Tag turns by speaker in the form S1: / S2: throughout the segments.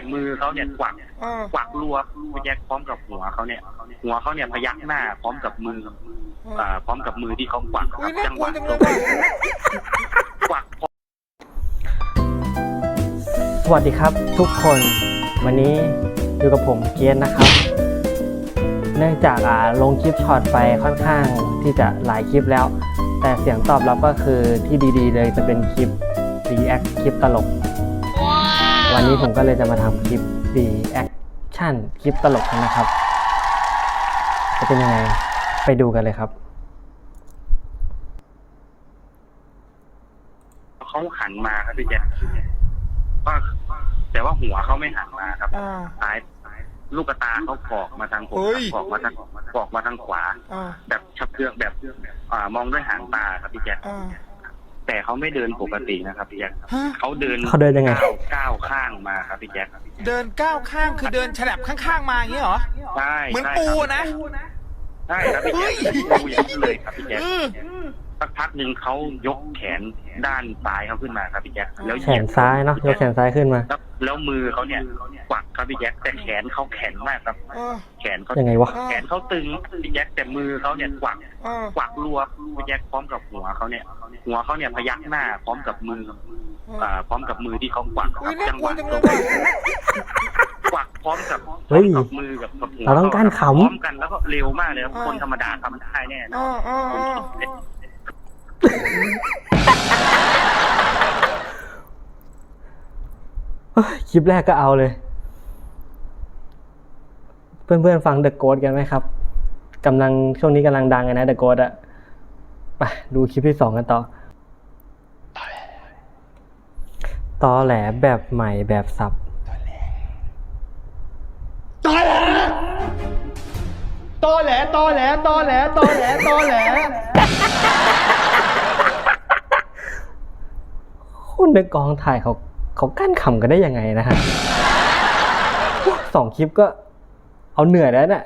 S1: มือเขาเนี่ยกวักรัวพี่แจ็คพร้อมกับหัวเขาเนี่ยพยักหน้าพร้อมกับมือพร้อมกับมือที่เขากวักครับจังหวะกวัก
S2: สวัสดีครับทุกคนวันนี้อยู่กับผมเกียรตินะครับเนื่องจากลงคลิปช็อตไปค่อนข้างที่จะหลายคลิปแล้วแต่เสียงตอบรับก็คือที่ดีๆเลยจะเป็นคลิป react คลิปตลกวันนี้ผมก็เลยจะมาทำคลิป reaction คลิปตลกนะครับจะเป็นยังไงไปดูกันเลยครับ
S1: เขาหันมาครับพี่แจ๊คแต่ว่าหัวเขาไม่หันมาครับซ้ายลูกตาเขากอกมาทางผมกอกมาทางขวาแบบชับเชือกแบบมองด้วยหางตาครับพี่แจ๊คแต่เขาไม่เดินปกตินะครับพี่แจ๊คเขาเดิน
S2: ยังไง
S1: ก้าวข้างมาครับพี่แจ๊ค
S3: เดินก้าวข้างคือเดินฉลับข้างๆมาอย่างนี้เหรอ
S1: ใช่
S3: เหมือนปูนะ
S1: ใช่ครับพี่แจ๊คปูอย่างนี้เลยครับพี่แจ๊คสักพักหนึ่งเขายกแขนด้านซ้ายเขาขึ้นมาครับพี่แจ๊คแล้ว
S2: แขนซ้ายเนาะยกแขนซ้ายขึ้นมา
S1: แล้วมือเขาเนี่ยกวักครับพี่แจ๊คแต่แขนเขาแข็งมากครับแขนเขา
S2: ยังไงวะ
S1: แขนเขาตึงพี่แจ๊คแต่มือเขาเนี่ยกวักรัวพี่แจ๊คพร้อมกับหัวเขาเนี่ยพยักหน้าพร้อมกับมือที่เขากวักครับจังหวะกวักพร้อมกับมือกับหัว
S2: เราต้องการขำ
S1: พร้อมกันแล้วก็เร็วมากเลยครับคนธรรมดาทำได้แน่นอน
S2: คลิปแรกก็เอาเลยเพื่อนๆฟัง The Ghost กันไหมครับช่วงนี้กำลังดังเลยนะ The Ghost อะไปดูคลิปที่2กันต่อตอแหลแบบใหม่แบบสับ
S3: ตอแหล
S2: คนในกองถ่ายเขากั้นขำกันได้ยังไงนะฮะ2 คลิปก็เอาเหนื่อยแล้วเนี่ย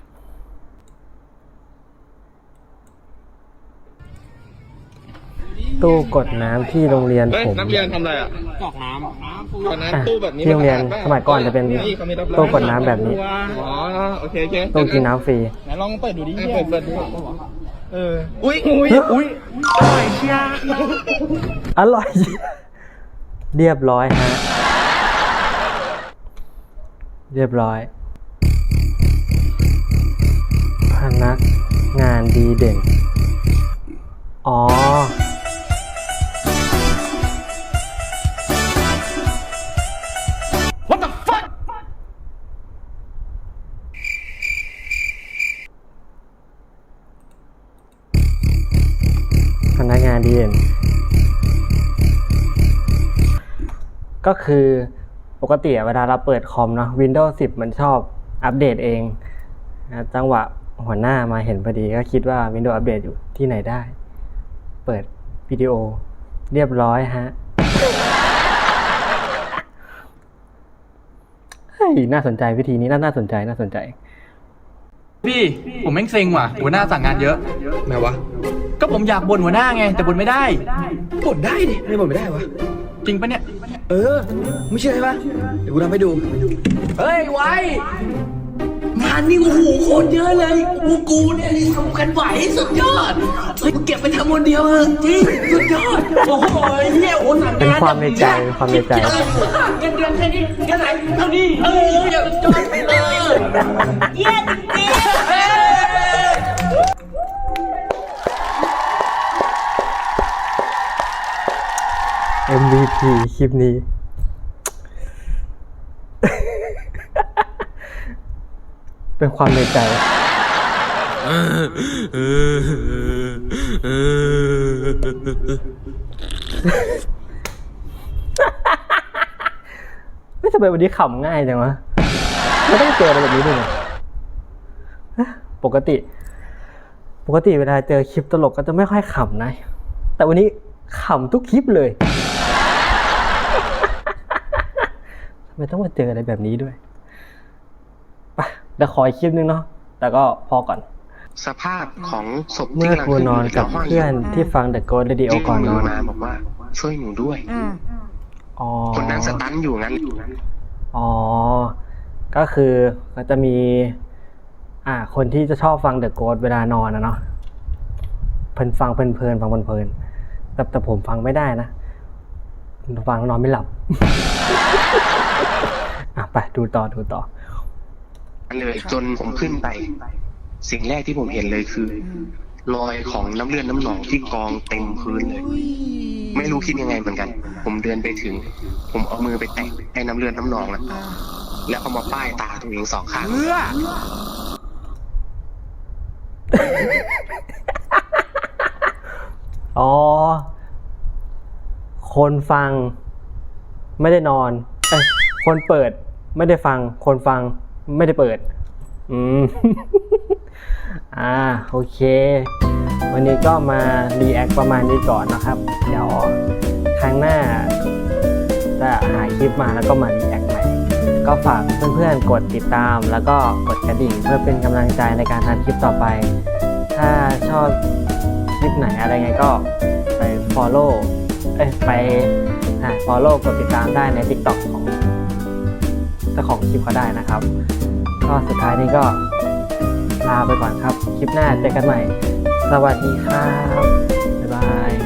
S2: ตู้กดน้ำที่โรงเรียนผม
S4: นักเรียนทำอะไรอ่ะ
S3: กรอกน้
S4: ำตอนนั้นตู้แบบนี้
S2: ที่โรงเรียนสมัยก่อนจะเป็นตู้กดน้ำแบบนี้
S4: อ๋อโอเค
S2: ตู้กินน้ำฟรี
S3: ไหนลองเปิดดูดิ
S4: เปิดดู
S3: อุ้ยอร่อยเชีย
S2: อร่อยเรียบร้อยฮะเรียบร้อยพนักงานดีเด่นอ๋อพนักงานดีเด่นก็คือปกติเวลาเราเปิดคอมเนาะ Windows 10 มันชอบอัปเดตเองนะจังหวะหัวหน้ามาเห็นพอดีก็คิดว่า Windows อัปเดตอยู่ที่ไหนได้เปิดวิดีโอเรียบร้อยฮะเฮ้ยน่าสนใจวิธีนี้น่าสนใจ
S5: พี่ผมแม่งเซ็งว่ะหัวหน้าสั่งงานเยอะ
S4: ไงวะ
S5: ก็ผมอยากบ่นหัวหน้าไงแต่บ่นไม่ได้
S4: บ่นได้ดิไม่บ่นไม่ได้วะ
S5: จริงปะเนี่ย
S4: ไม่ใช่ปะเดี๋ยวกูทำให้ดู
S5: เฮ้ยไว้
S4: งานนี่โอ้โหโคตรเยอะเลยกูเนี่ยทำกันไหวสุดยอดเฮ้ยเก็บไปทำคนเดียวจริงสุดยอดโอ้โหเฮียโอ้สั่งงาน
S2: เป็นความในใจเงิน
S4: เดือนแค่นี้แค่ไหนเท่านี้อย่าจอดไปเลยเยี่ยจริง
S2: MVP คลิปนี้เป็นความในใจไม่ทำไมวันนี้ขำง่ายจังวะไม่ต้องเจออะไรแบบนี้ด้วยปกติเวลาเจอคลิปตลกก็จะไม่ค่อยขำนะแต่วันนี้ขำทุกคลิปเลยทำไมต้องมาเจออะไรแบบนี้ด้วยไปเดี๋ยวขออีกคลิปนึงเนาะแต่ก็พอก่อน
S4: สภาพของศพ
S2: เมื่อกูนอนกับเพื่อนที่ฟัง The Ghost Radio ก่อนนอน
S4: มาบอกว่าช่วยหนูด้วย
S2: อ๋อ
S4: คนนั้นสตันอยู่งั้น
S2: อ๋อก็คือก็จะมีคนที่จะชอบฟังเดอะโกสเวลานอนนะเนาะฟังเพลินแต่ผมฟังไม่ได้นะฟังนอนไม่หลับ ไปดูต่อ
S4: เลยจนผมขึ้นไปสิ่งแรกที่ผมเห็นเลยคือรอยของน้ำเลือดน้ำหนองที่กองเต็มพื้นเลยไม่รู้คิดยังไงเหมือนกันผมเดินไปถึงผมเอามือไปแตะให้น้ำเลือดน้ำหนองแล้วเอามาป้ายตาตัวเอง2 ข้าง
S2: อ๋อคนฟังไม่ได้นอนคนเปิดไม่ได้ฟังคนฟังไม่ได้เปิดโอเควันนี้ก็มารีแอคประมาณนี้ก่อนนะครับเดี๋ยวครั้งหน้าจะหาคลิปมาแล้วก็มารีแอคใหม่ก็ฝากเพื่อนๆกดติดตามแล้วก็กดกระดิ่งเพื่อเป็นกำลังใจในการทำคลิปต่อไปถ้าชอบคลิปไหนอะไรไงก็ไป follow กดติดตามได้ใน TikTok ของเจ้าของคลิปเขาได้นะครับก็สุดท้ายนี้ก็ลาไปก่อนครับคลิปหน้าเจอกันใหม่สวัสดีครับบ๊ายบาย